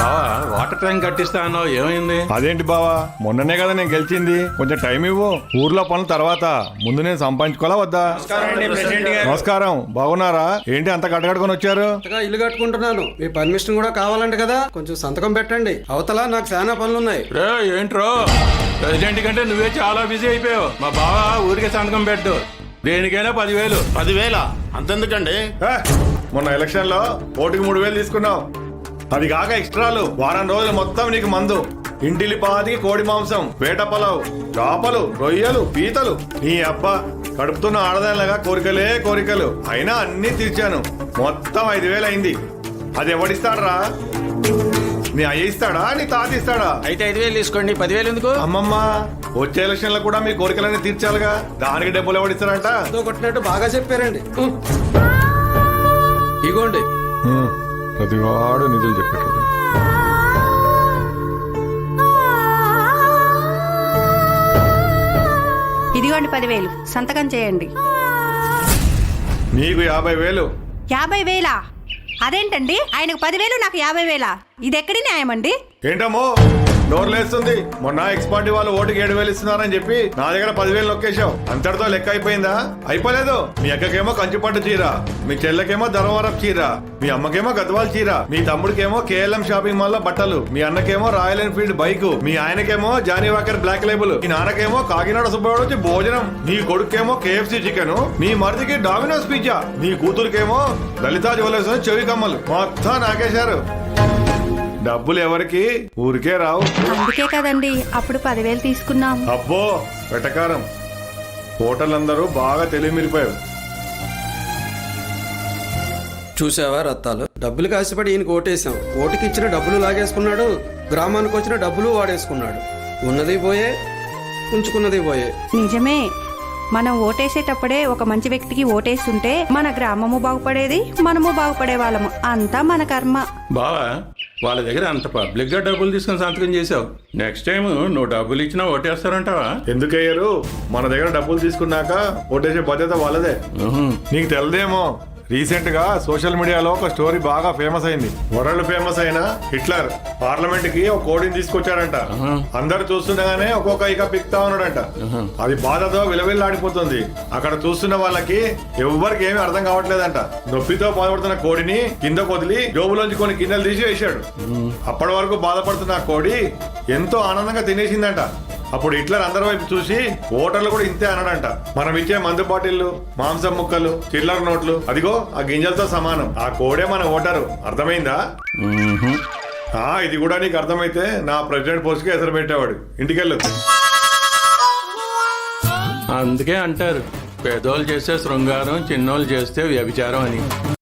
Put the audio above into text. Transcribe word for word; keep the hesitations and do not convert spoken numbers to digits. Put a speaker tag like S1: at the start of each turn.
S1: బావా water tank కట్టిస్తా అన్నావు, ఏమైంది?
S2: అదేంటి బావా, మొన్ననే కదా నేను గెలిచింది, కొంచెం టైం ఇవ్వు. ఊర్లో పనుల తర్వాత ముందు నేను సంపాదించుకోవాలా వద్దా? నమస్కారం, బాగున్నారా? ఏంటి అంత కట్టకట్టుకొని వచ్చారు?
S3: ఇల్లు కట్టుకుంటున్నాను, మీ పర్మిషన్ కూడా కావాలంట కదా, కొంచెం సంతకం పెట్టండి. అవతల నాకు చాలా పనులున్నాయి.
S1: రే ఏంట్రో, ప్రెసిడెంట్ కంటే నువ్వే చాలా బిజీ అయిపోయావు. మా బావా ఊరికే సంతకం పెట్టు, దేనికైనా పదివేలు.
S4: పదివేల అంతెందుకండి?
S2: ఏ, మొన్న ఎలక్షన్ లో ఓటుకి మూడు వేలు తీసుకున్నావు, అది కాక ఎక్స్ట్రాలు వారం రోజులు మొత్తం నీకు మందు, ఇంటిలి పాతికి కోడి మాంసం, వేట పొలావు, చేపలు, రొయ్యలు, పీతలు. నీ అబ్బా కడుపుతున్న ఆడదానిలాగా కోరికలే కోరికలు, అయినా అన్ని తీర్చాను. మొత్తం ఐదు వేలు అయింది. అది ఎవడిస్తాడరా? నీ అయ్య ఇస్తాడా, నీ తాత ఇస్తాడా?
S1: అయితే ఐదు వేలు తీసుకోండి, పదివేలు ఎందుకు?
S2: అమ్మమ్మ, వచ్చే ఎలక్షన్ లో కూడా మీ కోరికలన్నీ తీర్చాలిగా, దానికి డబ్బులు ఎవడిస్తారంట?
S3: ఏదో కొట్టినట్టు బాగా చెప్పారండి. ఇగోండి.
S2: ప్రతివాడు నిధులు చెప్పాడు.
S5: ఇదిగోండి పదివేలు, సంతకం చేయండి.
S2: నీకు యాభై వేలు.
S5: యాభై వేలా? అదేంటండి, ఆయనకు పదివేలు నాకు యాభై వేలా? ఇది ఎక్కడి న్యాయం అండి?
S2: ఏంటమ్మో నోర్లేస్తుంది, మొన్న ఎక్స్ పార్టీ వాళ్ళు ఓటుకి ఏడు వేలు ఇస్తున్నారని చెప్పి నా దగ్గర పదివేలు నొక్కేశావు. అంతటితో లెక్క అయిపోయిందా? అయిపోలేదు. మీ అక్కకేమో కంచిపట్టు చీర, మీ చెల్లెకేమో ధర్మవరం చీర, మీ అమ్మకేమో గద్వాల చీర, మీ తమ్ముడికేమో కేఎల్ఎం షాపింగ్ మాల్ లో బట్టలు, మీ అన్నకేమో రాయల్ ఎన్ఫీల్డ్ బైక్, మీ ఆయనకేమో జానీ వాకర్ బ్లాక్ లేబుల్, మీ నాన్నకేమో కాకినాడ సుబ్బయ్య వచ్చి భోజనం, నీ కొడుకేమో కేఎఫ్సీ చికెన్, నీ మరిదికి డామినోస్ పిజ్జా, నీ కూతురికేమో లలితా జ్యువెలర్స్ చెవి కమ్మలు. మొత్తం నాకేశారు. డబ్బులు ఎవరికి? ఊరికే రావు.
S5: అందుకే కదండి అప్పుడు పదివేలు తీసుకున్నాం.
S2: అబ్బో వెటకారం. ఓటర్లందరూ బాగా తెలివి మీరిపోయారు.
S3: చూసావా రత్తాలు, డబ్బులు కాసిపడి ఈయనకి ఓటేసాం, ఓటుకి ఇచ్చిన డబ్బులు లాగేసుకున్నాడు, గ్రామానికి వచ్చిన డబ్బులు వాడేసుకున్నాడు. ఉన్నది పోయే, ఉంచుకున్నది పోయే.
S5: నిజమే, మనం ఓటేసేటప్పుడే ఒక మంచి వ్యక్తికి ఓటేస్తుంటే మన గ్రామము బాగుపడేది, మనము బాగుపడే వాళ్ళము. అంతా మన కర్మ.
S1: బావా వాళ్ళ దగ్గర అంత పబ్లిక్ గా డబ్బులు తీసుకుని సంతకం చేసావు, నెక్స్ట్ టైం నువ్వు డబ్బులు ఇచ్చినా ఓటేస్తారంటావా?
S2: ఎందుకయ్యారు? మన దగ్గర డబ్బులు తీసుకున్నాక ఓటేసే బాధ్యత వాళ్ళదే. నీకు తెలదేమో, రీసెంట్ గా సోషల్ మీడియాలో ఒక స్టోరీ బాగా ఫేమస్ అయింది. వరల్డ్ ఫేమస్ అయిన హిట్లర్ పార్లమెంట్ కి ఒక కోడిని తీసుకొచ్చాడంట. అందరు చూస్తుండగానే ఒక్కొక్క ఇక పిక్తా ఉన్నాడంట. అది బాధతో విలవిల్లాడిపోతుంది. అక్కడ చూస్తున్న వాళ్ళకి ఎవ్వరికి ఏమీ అర్థం కావట్లేదంట. నొప్పితో బాధపడుతున్న కోడిని కింద వదిలి జోబులోంచి కొన్ని గిన్నెలు తీసి వేశాడు. అప్పటి వరకు బాధపడుతున్న ఆ కోడి ఎంతో ఆనందంగా తినేసిందంట. అప్పుడు హిట్లర్ అందరి వైపు చూసి ఓటర్లు కూడా ఇంతే అన్నాడంట. మనం ఇచ్చే మందు బాటిళ్లు, మాంసం ముక్కలు, చిల్లర నోట్లు, అదిగో ఆ గింజలతో సమానం. ఆ కోడే మన ఓటరు. అర్థమైందా? ఆ ఇది కూడా నీకు అర్థమైతే నా ప్రెసిడెంట్ పోస్ట్ కి ఎసరు పెట్టేవాడు. ఇంటికెళ్ళు.
S1: అందుకే అంటారు, పేదోళ్ళు చేస్తే శృంగారం, చిన్నోళ్ళు చేస్తే వ్యభిచారం అని.